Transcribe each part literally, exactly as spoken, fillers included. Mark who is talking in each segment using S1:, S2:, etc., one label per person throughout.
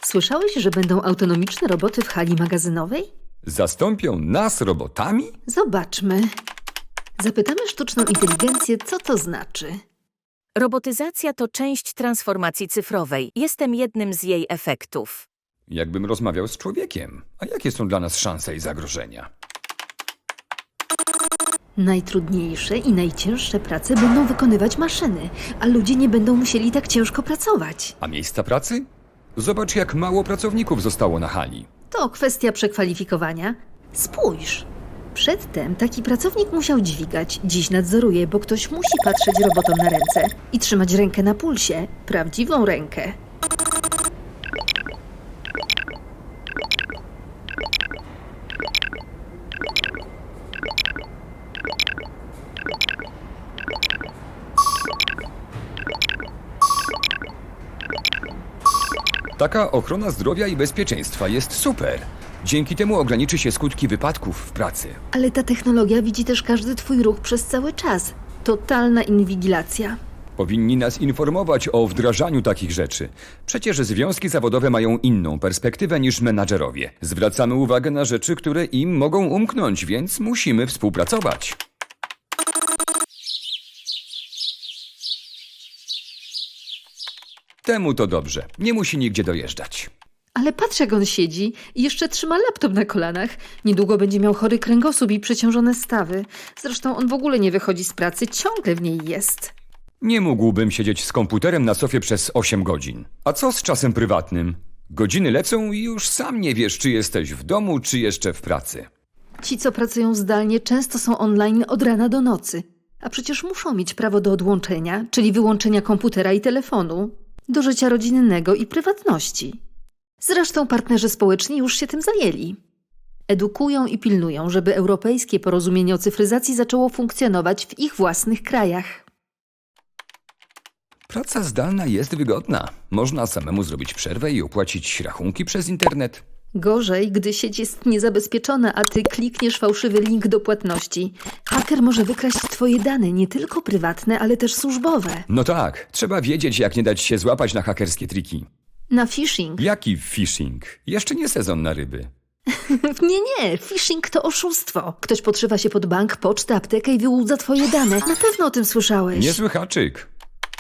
S1: Słyszałeś, że będą autonomiczne roboty w hali magazynowej?
S2: Zastąpią nas robotami?
S1: Zobaczmy. Zapytamy sztuczną inteligencję, co to znaczy.
S3: Robotyzacja to część transformacji cyfrowej. Jestem jednym z jej efektów.
S2: Jakbym rozmawiał z człowiekiem. A jakie są dla nas szanse i zagrożenia?
S1: Najtrudniejsze i najcięższe prace będą wykonywać maszyny, a ludzie nie będą musieli tak ciężko pracować.
S2: A miejsca pracy? Zobacz, jak mało pracowników zostało na hali.
S1: To kwestia przekwalifikowania. Spójrz. Przedtem taki pracownik musiał dźwigać, dziś nadzoruje, bo ktoś musi patrzeć robotom na ręce i trzymać rękę na pulsie, prawdziwą rękę.
S2: Taka ochrona zdrowia i bezpieczeństwa jest super. Dzięki temu ograniczy się skutki wypadków w pracy.
S1: Ale ta technologia widzi też każdy twój ruch przez cały czas. Totalna inwigilacja.
S2: Powinni nas informować o wdrażaniu takich rzeczy. Przecież związki zawodowe mają inną perspektywę niż menadżerowie. Zwracamy uwagę na rzeczy, które im mogą umknąć, więc musimy współpracować. Temu to dobrze. Nie musi nigdzie dojeżdżać.
S1: Ale patrz, jak on siedzi i jeszcze trzyma laptop na kolanach. Niedługo będzie miał chory kręgosłup i przeciążone stawy. Zresztą on w ogóle nie wychodzi z pracy, ciągle w niej jest.
S2: Nie mógłbym siedzieć z komputerem na sofie przez osiem godzin. A co z czasem prywatnym? Godziny lecą i już sam nie wiesz, czy jesteś w domu, czy jeszcze w pracy.
S1: Ci, co pracują zdalnie, często są online od rana do nocy. A przecież muszą mieć prawo do odłączenia, czyli wyłączenia komputera i telefonu, do życia rodzinnego i prywatności. Zresztą partnerzy społeczni już się tym zajęli. Edukują i pilnują, żeby europejskie porozumienie o cyfryzacji zaczęło funkcjonować w ich własnych krajach.
S2: Praca zdalna jest wygodna. Można samemu zrobić przerwę i opłacić rachunki przez internet.
S1: Gorzej, gdy sieć jest niezabezpieczona, a ty klikniesz fałszywy link do płatności. Haker może wykraść twoje dane, nie tylko prywatne, ale też służbowe.
S2: No tak, trzeba wiedzieć, jak nie dać się złapać na hakerskie triki.
S1: Na phishing.
S2: Jaki phishing? Jeszcze nie sezon na ryby.
S1: Nie, nie, phishing to oszustwo. Ktoś podszywa się pod bank, pocztę, aptekę i wyłudza twoje dane. Na pewno o tym słyszałeś.
S2: Niezły haczyk.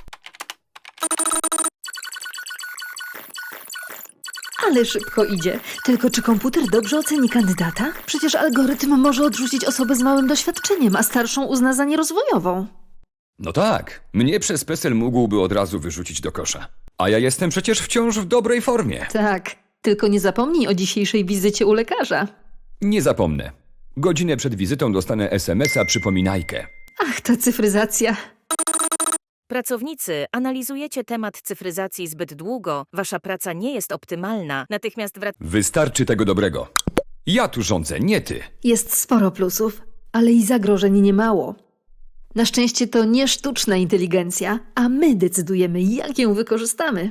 S1: Ale szybko idzie. Tylko czy komputer dobrze oceni kandydata? Przecież algorytm może odrzucić osobę z małym doświadczeniem, a starszą uzna za nierozwojową.
S2: No tak, mnie przez PESEL mógłby od razu wyrzucić do kosza. A ja jestem przecież wciąż w dobrej formie.
S1: Tak, tylko nie zapomnij o dzisiejszej wizycie u lekarza.
S2: Nie zapomnę. Godzinę przed wizytą dostanę es em es a przypominajkę.
S1: Ach, ta cyfryzacja.
S3: Pracownicy, analizujecie temat cyfryzacji zbyt długo, wasza praca nie jest optymalna, natychmiast wracacie.
S2: Wystarczy tego dobrego. Ja tu rządzę, nie ty.
S1: Jest sporo plusów, ale i zagrożeń niemało. Na szczęście to nie sztuczna inteligencja, a my decydujemy, jak ją wykorzystamy.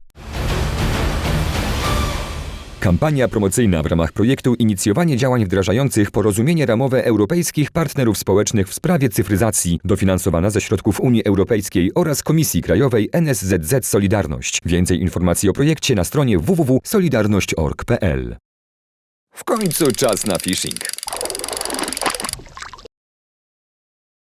S2: Kampania promocyjna w ramach projektu Inicjowanie działań wdrażających porozumienie ramowe europejskich partnerów społecznych w sprawie cyfryzacji, dofinansowana ze środków Unii Europejskiej oraz Komisji Krajowej N S Z Z Solidarność. Więcej informacji o projekcie na stronie w w w kropka solidarność kropka org kropka p l. W końcu czas na phishing.